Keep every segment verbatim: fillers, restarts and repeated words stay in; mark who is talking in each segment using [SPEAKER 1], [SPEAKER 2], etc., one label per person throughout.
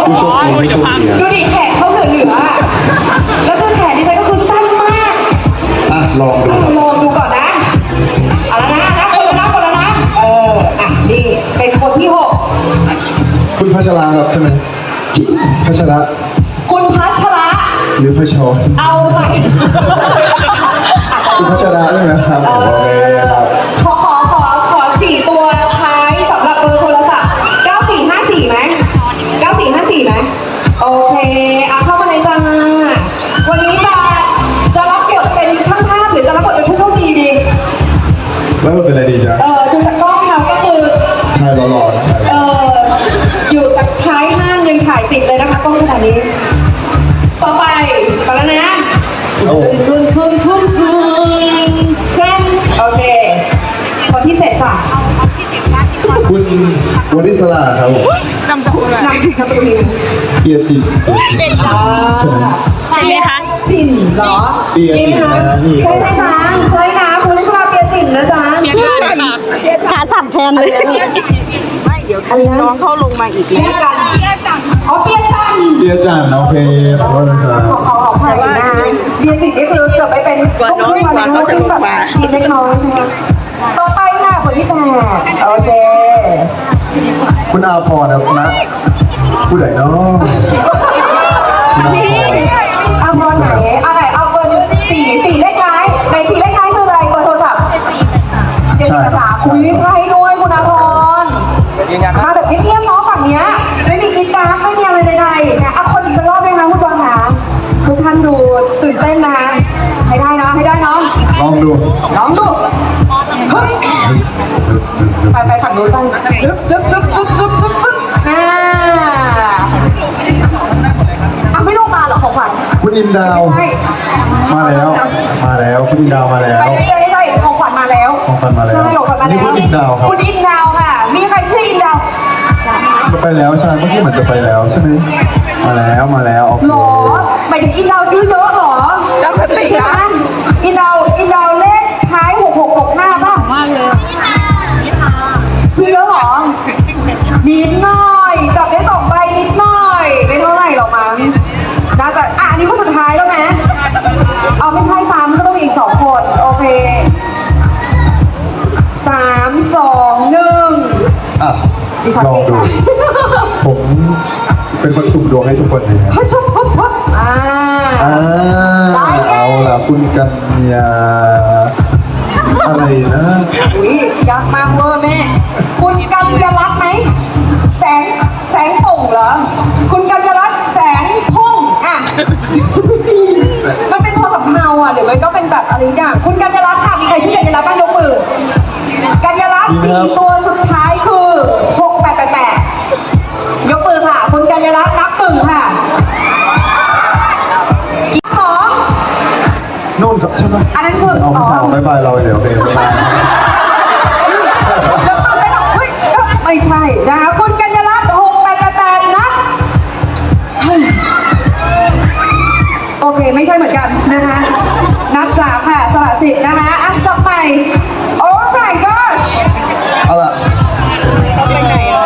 [SPEAKER 1] ผู้โชคดีไม่โชคดี
[SPEAKER 2] ดูดิแขนเขาเหลือเหลือแล้วคือแขนดิฉันก็คือสั้นมาก
[SPEAKER 1] อ่ะลองดูครับ
[SPEAKER 2] ลองดูก่อนนะเอาละนะนะคนละนะคนละนะเอออ่ะนี่เป็นคนที่หก
[SPEAKER 1] คุณพัชราครับใช่ไหมพัชระ
[SPEAKER 2] คุณพัชระ
[SPEAKER 1] หรือพัชร
[SPEAKER 2] เอาใหม่
[SPEAKER 1] คุณพัชระใช่ไหมครับ
[SPEAKER 2] เอ
[SPEAKER 1] โอเคครับ
[SPEAKER 2] ขอขอขอขอสี่ตัวท้ายสำหรับเบอร์โทรศัพท์เก้าสี่ห้าสี่ไหมเก้าสี่ห้าสี่ไหมโอเคเอาเข้ามาเลยจ้าวันนี้จะจะรับบทเป็นช่างภาพหรือจะรับบทเป็นผู้โชคดีดี
[SPEAKER 1] แล้วมันเป็นอะไรดีจ๊ะ
[SPEAKER 2] เออดูจากกล้องเราก็คือ
[SPEAKER 1] ชายหล่อๆนะ
[SPEAKER 2] เอออยู่จากท้ายห้างยังถ่ายติดเลยนะคะกล้องขนาดนี้ ต่อไปไปแล้วนะ
[SPEAKER 1] โอ้
[SPEAKER 2] ซุนซุนซุนซุนเส้นโอเคคนที่เจ็ดจ้ะ
[SPEAKER 1] คุณวริศราครับผม
[SPEAKER 3] นำจากคุณ
[SPEAKER 2] นำนำตัวนี้
[SPEAKER 1] เปียจิต
[SPEAKER 3] เป็น
[SPEAKER 2] อ่า
[SPEAKER 3] ใช่ไหมคะ
[SPEAKER 2] สินเหรอ
[SPEAKER 1] เปียจิตนะนี่
[SPEAKER 2] ใช่ไหมจ๊ะใช่นะคุณลิศราเปียสินนะจ๊ะ
[SPEAKER 3] เมียกันค่ะ
[SPEAKER 4] ขาสั่นแทนเลย
[SPEAKER 3] ไม่เดี๋ยวน้องเขาลงมาอีก
[SPEAKER 2] เปียกันอ๋อเปียจัน
[SPEAKER 1] เปียจันโอเคขอโทษนะครับ
[SPEAKER 2] ขอขอขออภัยนะเบียร์สินี่คือเกือบไปเป็นลูกครึ่งมาแล้วลูกครึ่งแบบจีนเล็กน้อยใช่ไหมต่อไปค่ะคนที่แปดโอเค
[SPEAKER 1] คุณอาพรครับนะผู้ใดเนาะคุณอาพร
[SPEAKER 2] เอาเบอร์ไหนอะไรเอาเบอร์สี่สี่เลขท้ายในสี่เลขท้ายคืออะไรเบอร์โทรศัพท์เจ็ดกับสามอุ้ยใช่ด้วยคุณอาพรมาแบบเงียบๆเนาะฝั่งเนี้ยไม่มีกิจกรรมไม่มีอะไรใดๆนะเอาคนอีกสักรอบไหมคะคุณบอลคะทุกท่านดูตื่นเต้นนะคะให้ได้นะให้ได้เนาะ
[SPEAKER 1] ลองดู
[SPEAKER 2] ลองดูฮึบไปไปฝั่งนู้นไปดึ๊บดึ๊บดึ๊บดึ๊บดึ๊บดึ๊บดึ๊บน่าเอาไม่ลงมาเหรอของขวัญ
[SPEAKER 1] คุณอินดาว
[SPEAKER 2] ใช่
[SPEAKER 1] มาแล้ว มาแล้วคุณอินดาวมาแล้ว
[SPEAKER 2] ไปได้ได้ได้ของขวัญมาแล้ว
[SPEAKER 1] ของขวัญมาแล้ว
[SPEAKER 2] ใช่ของขวัญมาแล้ว
[SPEAKER 1] นี่คุณอินดาวครับ
[SPEAKER 2] คุณอินดาวค่ะ มีใครชื่ออินดาว
[SPEAKER 1] จะไปแล้วใช่เมื่อกี้เหมือนจะไปแล้วใช่ไหมมาแล้วมาแล้วโอเค
[SPEAKER 2] หรอหมายถึงอินดาวซื้อเยอะหรอ
[SPEAKER 3] ตั้งสติ
[SPEAKER 2] ใช่ไหม
[SPEAKER 3] นะ
[SPEAKER 2] อินดาวอินดาวเลขท้ายหกหกหกห้าป่ะ
[SPEAKER 3] มากเลย
[SPEAKER 2] ซื้อเยอะหรอนิดหน่อยจับได้สองใบนิดหน่อยไม่เท่าไหร่หรอกมั้งน่าจะอ่ะอันนี้ก็สุดท้ายแล้วไหมเอาไม่ใช่ซ้ำก็ต้องมีอีกสองคนโอเคสามสองหนึ่ง
[SPEAKER 1] อ่ะ
[SPEAKER 2] ดิฉัน
[SPEAKER 1] ลอง
[SPEAKER 2] เอง
[SPEAKER 1] ดู
[SPEAKER 2] ค่ะ
[SPEAKER 1] ผมเป็นคนสุ่มดวงให้ทุกคนเลยครับ
[SPEAKER 2] ฮึบชุบฮึบฮึบอ่า
[SPEAKER 1] อ่าเอาล่ะคุณกัญญาอะไรนะ
[SPEAKER 2] อุ้ยยากมากเวอร์แม่คุณกัญญารัตน์ไหมแสงแสงป่งเหรอคุณกัญญารัตน์แสงพุ่งอ่ะ มันเป็นพอสำเนาอ่ะหรือมันก็เป็นแบบอะไรอย่างคุณกัญญารัตน์ค่ะมีใครชื่อกัญญารัตน์บ้างยกมือกัญญารัตน์สี่ตัวสุดท้ายคือหกแปดแปดแปดยกมือค่ะคุณกัญญารัตน์นับหนึ่งค่ะอีกสอง
[SPEAKER 1] นู่นครับใช่ไหม
[SPEAKER 2] อันนั้นคือ
[SPEAKER 1] เอาไม่ใช่เอาบายบายเราเดี๋ยวโอเคบ๊ายบาย
[SPEAKER 2] แล้วตอนแรกเฮ้ยเอ้ยไม่ใช่นะคะคุณกัญญารัตน์หกแปดแปดแปดนับเฮ้ยโอเคไม่ใช่เหมือนกันนะคะนับสามค่ะสละสิทธิ์นะคะอ่ะจับใหม่โอ้ my gosh
[SPEAKER 1] เอาล่ะ
[SPEAKER 3] ไปไหนอ่ะ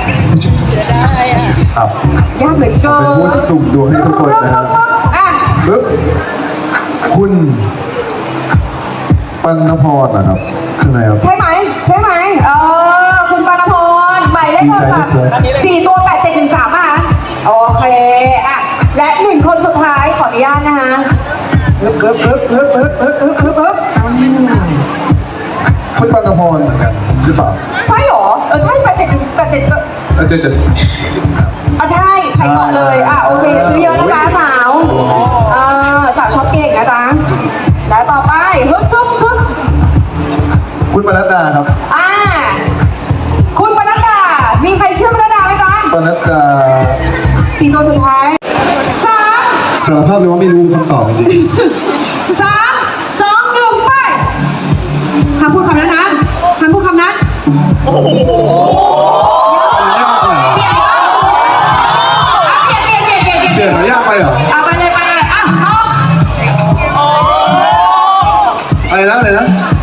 [SPEAKER 1] ครับ
[SPEAKER 2] ยากเหลือเกิ
[SPEAKER 1] เป็น
[SPEAKER 2] น
[SPEAKER 1] ผู้สุ่มดวงให้ทุกคนนะฮะ
[SPEAKER 2] อ่ะ
[SPEAKER 1] ปึ๊บคุณปัณพรนะครับใช่ไหมครับ
[SPEAKER 2] ใช่ไหมใช่ไหมเออคุณปานพรหมายเลขโทรศัพท์
[SPEAKER 1] ดีใจด้วย
[SPEAKER 2] สี่ตัวแปดเจ็ดหนึ่งสามอ่ะโอเคอ่ะและหนึ่งคนสุดท้ายขออนุญาตนะคะปึ๊บปึ๊บปึ๊บปึ๊บปึ๊บปึ๊บปึ๊บปึ๊บปึ๊บอืม
[SPEAKER 1] คุณปัณพรเหมือนกันหรือเปล่า
[SPEAKER 2] ใช่หรอเออใช่แปดเจ็ดหนึ่งแปดเจ็ดก็
[SPEAKER 1] เออจะจะ
[SPEAKER 2] อ่ะใช่ใครเกาะเลยอ่ะโอเคซื้อเยอะนะจ๊ะสาวเออสาวช็อปเก่งนะจ๊ะและต่อไปฮึบชุบชุบ
[SPEAKER 1] คุณปนัดดาครับ
[SPEAKER 2] อ่าคุณปนัดดา มีใครเชื่อปนัดดาไหมจ๊ะ
[SPEAKER 1] ปนัดดา
[SPEAKER 2] สี่ตัวสุดท้ายสาม
[SPEAKER 1] สารภาพเลยว่าไม่รู้คำตอบจริง
[SPEAKER 2] สามสองหนึ่งไปห้ามพูดคำนั้นนะห้ามพูดคำนั้น
[SPEAKER 1] ๆ
[SPEAKER 2] เปลี่ยนเปลี่ยนเปลี่ยนเปลี่ยนเปลี่ยน
[SPEAKER 1] เปลี่ยนมายากไปเหรอ
[SPEAKER 2] เอาไปเลยไปเลยอ่ะเอา
[SPEAKER 1] อะไรนะอะไรนะ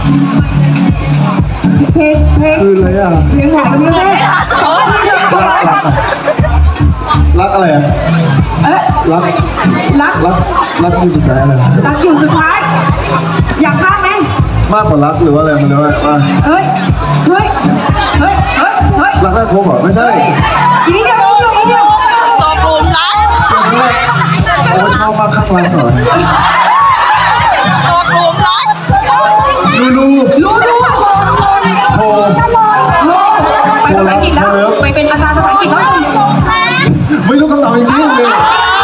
[SPEAKER 2] เพลงเพลง
[SPEAKER 1] คืออะไรอ่ะ
[SPEAKER 2] เพลงไหนกันเนี่ยแม่ขอทีเดียวขอ
[SPEAKER 1] รัก
[SPEAKER 2] ทีเดียว
[SPEAKER 1] รักอะไรอ่ะ
[SPEAKER 2] เอ๊ะ
[SPEAKER 1] รัก
[SPEAKER 2] รัก
[SPEAKER 1] รักรักที่สุดท้ายอะไร
[SPEAKER 2] รักอยู่สุดท้าย อยากข้ามไหม
[SPEAKER 1] มากกว่ารักหรือว่าอะไรมันเรียกว่าว่า
[SPEAKER 2] เฮ้ย เฮ้ย เฮ้ย เฮ้ย เฮ้ย
[SPEAKER 1] รักแรกพบเหรอไม่ใช่
[SPEAKER 2] อีกนิดเดียวอีกนิดเดียวอีกนิดเดียว
[SPEAKER 3] ตกหลุมรัก
[SPEAKER 1] โอ้ชอบมากข้างรักเหรอ
[SPEAKER 3] ตกหลุมรัก
[SPEAKER 1] ลูลู
[SPEAKER 2] รู้รู้
[SPEAKER 1] โทร
[SPEAKER 2] ไปภาษาอังกฤษแล้วไปเป็นอาจารย์ภาษาอังกฤษแล้ว
[SPEAKER 1] ไม่รู้คำตอบจริงๆเลย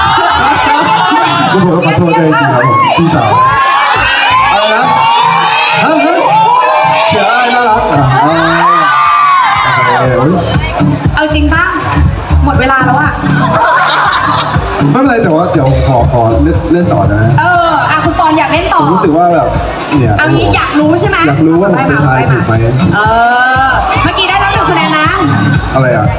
[SPEAKER 1] กูบอกว่าขอโทษเลยจริงครับผมพี่สาวอะไรนะฮะฮะเสียอะไรน่ารักอ่ะอ่าโอเคเฮ้ย
[SPEAKER 2] เอาจริงป่ะหมดเวลาแล้วอะ
[SPEAKER 1] ไม่เป็นไรแต่ว่าเดี๋ยวขอขอเล่นเล่นต่อนะ
[SPEAKER 2] เอออ่ะคุณปอนอยากเล่นต่อ
[SPEAKER 1] ผมรู้สึกว่าแบบเนี่ย
[SPEAKER 2] เอางี้อยากรู้ใช่ไหม
[SPEAKER 1] อยากรู้ว่าผมเป็นทายถูกไหม
[SPEAKER 2] เออ เมื่อกี้ได้แล้วหนึ่งคะแนนนะ
[SPEAKER 1] อะไรอ่ะ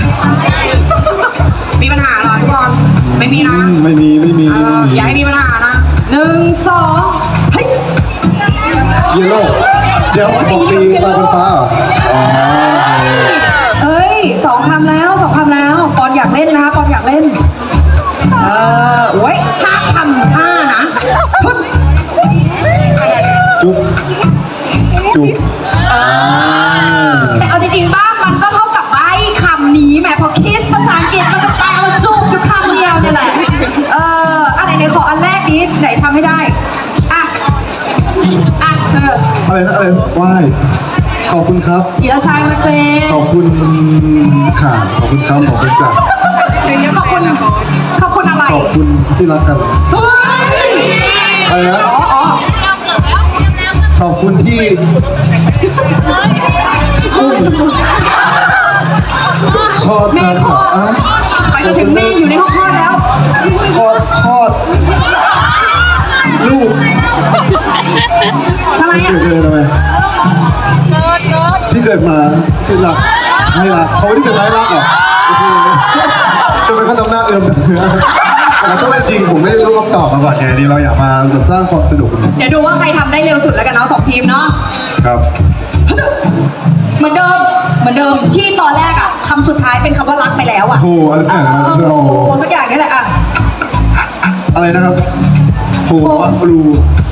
[SPEAKER 2] มีปัญหาเหรอพี่บอลไม่มีนะ
[SPEAKER 1] อืมไม่มีไม่มี
[SPEAKER 2] เอ
[SPEAKER 1] ไม่
[SPEAKER 2] อ
[SPEAKER 1] มี
[SPEAKER 2] อย่าให้มีปัญหานะหนึ่งสองเฮ้ย
[SPEAKER 1] เยลโล่เดี๋ยวปกติตาเป็นฟ้าเหรออ๋อ
[SPEAKER 2] เอ้ยสองคำแล้วสองคำแล้วปอนอยากเล่นนะปอนอยากเล่น เออโอ้ยห้าคำห้านะปึ๊บ
[SPEAKER 1] จุ๊บจุ๊บ
[SPEAKER 2] แต่เอาจริงๆบ้างมันก็เท่ากับใบคำนี้แหมพอคิสภาษาอังกฤษมันก็ไปเอาจูบอยู่คำเดียวเนี่ยแหละ เอออะไรไหนขออันแรกนี้ไหนทำให้ได้ อ่ะ อ่ะเธอ
[SPEAKER 1] อะไรนะอะไรไหว้ขอบคุณครับ
[SPEAKER 2] อีละชายมาเซ
[SPEAKER 1] ขอบคุณค่ะขอบคุณครับขอบคุณจ้ะ
[SPEAKER 2] ชื่อนี้ขอบคุณขอบคุณอะไร
[SPEAKER 1] ขอบคุณที่รักกัน
[SPEAKER 2] เฮ้ย
[SPEAKER 1] อะไรนะ
[SPEAKER 2] อ๋ออ๋อ
[SPEAKER 1] ขอบคุณที่อุ้มคลอด
[SPEAKER 2] แม่
[SPEAKER 1] มา
[SPEAKER 2] คลอด
[SPEAKER 1] อ่ะ
[SPEAKER 2] ไปจนถึงแม่อยู่ในห้องคลอดแล้ว
[SPEAKER 1] คลอดคลอดลูก
[SPEAKER 2] ทำไม
[SPEAKER 1] เกิ
[SPEAKER 2] อ่ะ
[SPEAKER 1] ดเลยทำไมที่เกิดมาที่รักให้รักเขาไม่ได้เกิดมาให้รักเหรอโอ้โหทำไมเขาทำหน้าเอิมแต่ก็เป็นจริงผมไม่รู้คำตอบมาก่อนไงนี่เราอยากมาสร้างความสนุก
[SPEAKER 2] เดี๋ยวดูว่าใครทำได้เร็วสุดแล้วกันเนาะสองทีมเนาะ
[SPEAKER 1] ครับ
[SPEAKER 2] เหมือนเดิม เหมือนเดิมที่ตอนแรกอ่ะคำสุดท้ายเป็นคำว่ารักไปแล้วอ่ะ
[SPEAKER 1] โอ้โหอะไร
[SPEAKER 2] เอ
[SPEAKER 1] แบบนั้น
[SPEAKER 2] อ
[SPEAKER 1] โอ้โห
[SPEAKER 2] โอ้สักอย่างนี่แหละอ่ะ
[SPEAKER 1] อะไรนะครับโหว่าบลู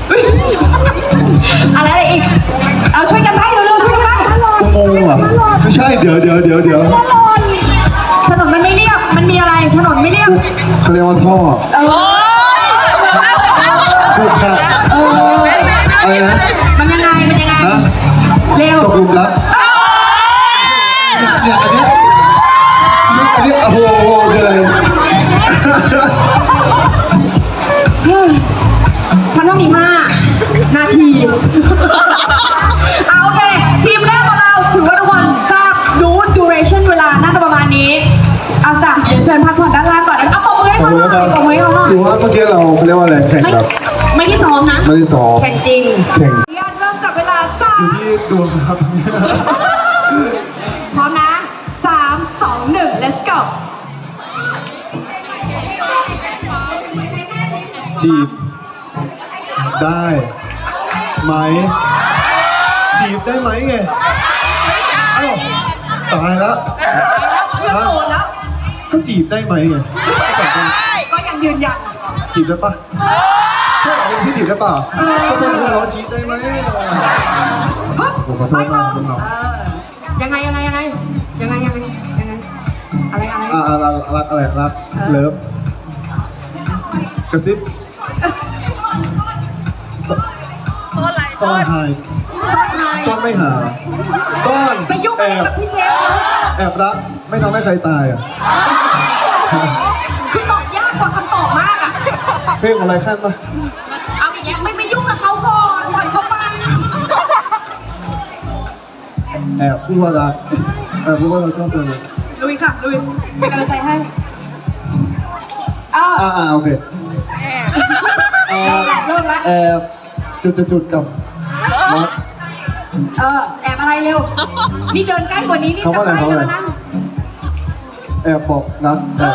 [SPEAKER 2] อะไรอะไรอีก เอาช่วยกันไปเร็วๆช่วยกันไป
[SPEAKER 1] อุโมงค์เหรอไม่ใช่เดี๋ยวเดี๋ยวเดี๋ยวเดี๋ยว
[SPEAKER 2] ถนนมันไม่เรียบ มันมีอะไร ถนนไม่เรียบ
[SPEAKER 1] เขาเรียกว่าท่อ
[SPEAKER 2] เออ
[SPEAKER 1] ถูกค่ะ
[SPEAKER 2] เออ
[SPEAKER 1] อะไรนะ
[SPEAKER 2] มันยังไง มันยังไง
[SPEAKER 1] ฮะ
[SPEAKER 2] เร็ว
[SPEAKER 1] ตกหลุมรักเนี่ยอันเนี้ยอันเนี้ยโอ้โหคืออะไร
[SPEAKER 2] ฉันว่ามีห้านาทีเอาโอเค ทีมแรกของเราถือว่าทุกคนทราบดู duration เวลาน่าจะประมาณนี้ เอาจ้ะเดี๋ยวเชิญพักผ่อนด้านล่างก่อนนะเอาปมมือให้
[SPEAKER 1] ขอบ
[SPEAKER 2] เขา
[SPEAKER 1] คุณ
[SPEAKER 2] หน่
[SPEAKER 1] นะ
[SPEAKER 2] อย
[SPEAKER 1] ค
[SPEAKER 2] ป
[SPEAKER 1] รับ
[SPEAKER 2] มมือให้เขาหน่อย
[SPEAKER 1] ถือว่าเมื่อกี้เราเขาเรียกว่าอะไรแข่ง
[SPEAKER 2] ไม่
[SPEAKER 1] แบบ
[SPEAKER 2] ไม่ที่ซ้อมนะ
[SPEAKER 1] ไม่ได้ซ้อม
[SPEAKER 2] แข่งจริง
[SPEAKER 1] แข่ง
[SPEAKER 2] ญาตเริ่มจับเวลาสา
[SPEAKER 1] อ
[SPEAKER 2] ม
[SPEAKER 1] ยู่ที่ดวงครับ
[SPEAKER 2] พร้อมนะสามสองหนึ่ง let's go
[SPEAKER 1] จีบได้ไหมจีบได้ไหมไงอ้าวตายแล้ว
[SPEAKER 2] เพื่อนโดนแล้ว
[SPEAKER 1] ก็จีบได้ไหมไง
[SPEAKER 2] ก็ยังยืนยัน
[SPEAKER 1] จีบได้ปะใช่เหรอพี่จีบได้ปะก็เป็นเพื่อนเราจีบได้ไหม
[SPEAKER 2] ปึ๊บ
[SPEAKER 1] ผมขอโท
[SPEAKER 2] ไป
[SPEAKER 1] ษ
[SPEAKER 2] ต่อ
[SPEAKER 1] มากคุณน้อง
[SPEAKER 2] เออยังไงยังไงยังไงยังไงยังไงยังไงอะไรอะไร
[SPEAKER 1] อ่ารักรักอะไรรักเลิฟกระซิบซ่อนหาย
[SPEAKER 2] ซ่อนไฮ
[SPEAKER 1] ซ่อนไม่หาซ่อน
[SPEAKER 2] ไปยุ่ง
[SPEAKER 1] แอ
[SPEAKER 2] อะไร
[SPEAKER 1] บ
[SPEAKER 2] กับพี่เจฟเขา
[SPEAKER 1] แอบรักไม่ทำให้ใครตายอ่ะ
[SPEAKER 2] คือตอบยากกว่าคำตอบมากอะ
[SPEAKER 1] เพลงอะไรขั้นปะ
[SPEAKER 2] เอาอย่างเงี้ยไม่ไม่ยุ่งกับเขาก่อนปล่อยเขาไป
[SPEAKER 1] แอบพูดว่ารักแอบพูดว่าเราชอบเธอเลย
[SPEAKER 2] ลุยค่ะลุยเป็นกำลังใจให้เออ
[SPEAKER 1] อ่าอ่าโอเคแอ
[SPEAKER 2] เลิก
[SPEAKER 1] บ
[SPEAKER 2] ละเลิกละ
[SPEAKER 1] แอบจุดจุดจุดกับรัก
[SPEAKER 2] เออแอบอะไรเร็วนี่เดินใกล้กว่านี้นี่
[SPEAKER 1] เขา
[SPEAKER 2] จะ
[SPEAKER 1] ว่าอะไร
[SPEAKER 2] ใกล้
[SPEAKER 1] เขา
[SPEAKER 2] กั
[SPEAKER 1] ว่าน อะไร
[SPEAKER 2] แล้วนะ
[SPEAKER 1] แอบบอกรักแอบ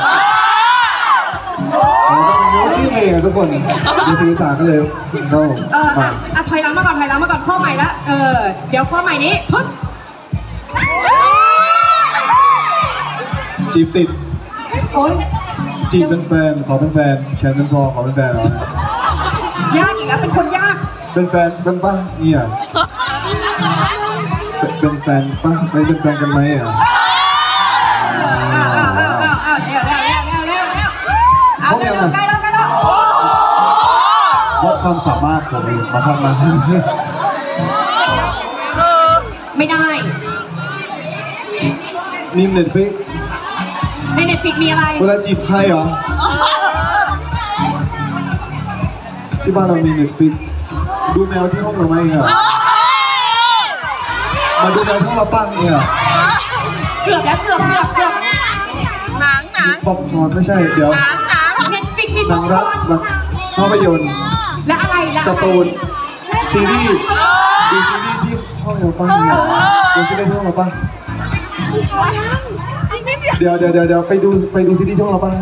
[SPEAKER 1] เราก็เป็นรู้ชื่อเพลงอะทุกคนมีสื่อสารกันเลยก็
[SPEAKER 2] เออ
[SPEAKER 1] มา
[SPEAKER 2] อ่ะอ่ะถอยหลังมาก่อนถอยหลังมาก่อนข้อใหม่ละเออเดี๋ยวข้อใหม่นี้ปึ๊บ
[SPEAKER 1] จีบติด
[SPEAKER 2] โอ๊ย
[SPEAKER 1] จีบเป็นแฟนขอเป็นแฟนแคนเป็นพอขอเป็นแฟนเหรอย
[SPEAKER 2] ากอีกแล้วเป็นคนยาก
[SPEAKER 1] เป็นแฟนเป็นป้าเนี่ยเป็นแฟนป้าไปเป็นแฟนกันไหมอ่ะ
[SPEAKER 2] เอาเร็วๆใกล้แล้วใกล้แล้ว
[SPEAKER 1] วัดความสามารถผมเองมาทำมา
[SPEAKER 2] ไม่ได้
[SPEAKER 1] นี่เน็ตฟิก
[SPEAKER 2] ในเน็ตฟิกมีอะไร
[SPEAKER 1] เวลาจีบใครเหรอที่บ้านเรามีเน็ตฟิกดูแมวที่ห้องเราไหมอ่ะมาดูแมวที่ห้องเราปั้งเนี่ย
[SPEAKER 2] เกือบแล้วเกือบเกือบเกือบ
[SPEAKER 3] หนังหนัง
[SPEAKER 1] ป๊อปคอร์นไม่ใช่เดี๋ยว
[SPEAKER 3] หนังหนัง
[SPEAKER 2] เน็ตฟิกมี
[SPEAKER 1] หนั
[SPEAKER 2] ป๊อง ปค
[SPEAKER 1] รั
[SPEAKER 2] อก ร์น
[SPEAKER 1] หนังภาพยนตร์
[SPEAKER 2] และอะไรและอะ
[SPEAKER 1] การ์
[SPEAKER 2] ไร
[SPEAKER 1] ตูนซีรีส์ดูซีรีส์ที่ห้องเราปั้งเนี่ยดูซีรีส์ที่ห้องเราปั้งเดี๋ยวเดี๋ยวเดี๋ยวเดี๋ยวไปดูไปดูซีรีส์ที่ห้องเราปั้ง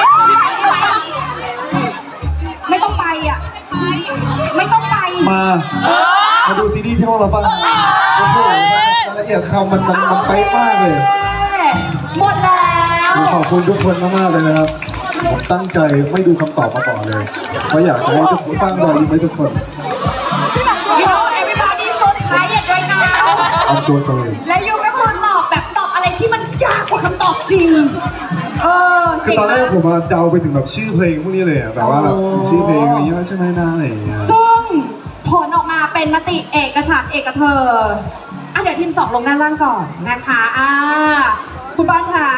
[SPEAKER 2] ไม่ต้องไปอ่ะไม่ต้องไป
[SPEAKER 1] มามาดูซีรีส์ที่ห้องเราปั้งโอ้โหรายละเอียดคำมันมันมันเป๊ะมากเลย
[SPEAKER 2] หมดแล้ว
[SPEAKER 1] ขอบคุณทุกคนมากๆเลยนะครับผมตั้งใจไม่ดูคำตอบมาก่อนเลยเพราะอยากจะให้ทุกคนสร้างรอยยิ้มให้ทุกคน
[SPEAKER 2] You know everybody so tired right now
[SPEAKER 1] I'm so sorry
[SPEAKER 2] และยูก็คือตอบแบบตอบอะไรที่มันยากกว่าคำตอบจริง เออ
[SPEAKER 1] คือตอนแรกผมมาเดาไปถึงแบบชื่อเพลงพวกนี้เลยอะแบบว่าแบบชื่อเพลงอะไรเงี้ยใช่ไหมนะอะไรอย่างเงี้ย
[SPEAKER 2] ซึ่งผลออกมาเป็นมติเอกฉันท์เอกเธออ่ะเดี๋ยวทีมสองลงด้านล่างก่อนนะคะอ่าคุณบอลคะ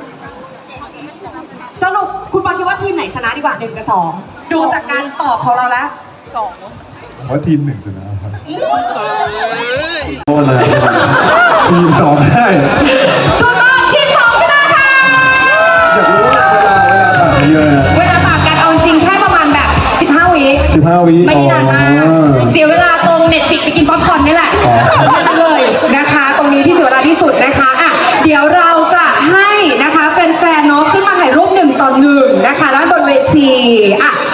[SPEAKER 2] สรุปคุณบอลคิดว่าทีมไหนชนะดีกว่าหนึ่งกับสองดูจากการตอบของเราแล้ว
[SPEAKER 3] สอง
[SPEAKER 1] ผมว่าทีมหนึ่งชนะครับโอ้เลยทีมสองได้
[SPEAKER 2] จุดตอบทีมสองชนะค่ะ
[SPEAKER 1] อยากรู้ว่าเวลาเวลาต่างกันเยอะ
[SPEAKER 2] เวลาต่างกันเอาจริงแค่ประมาณแบบสิบห้าวิ
[SPEAKER 1] สิบห้าวิ
[SPEAKER 2] ไม่นานมากเสียเวลาตรงเน็ตฟิกไปกินป๊อปคอร์นนี่แหละนั่นเลยนะคะ ตรงนี้ที่เสียเวลาที่สุดนะคะอ่ะเดี๋ยวเราจะให้นะคะแฟนๆเนาะขึ้นมาถ่ายรูปหนึ่งต่อหนึ่งนะคะแล้วบนเวทีอ่ะ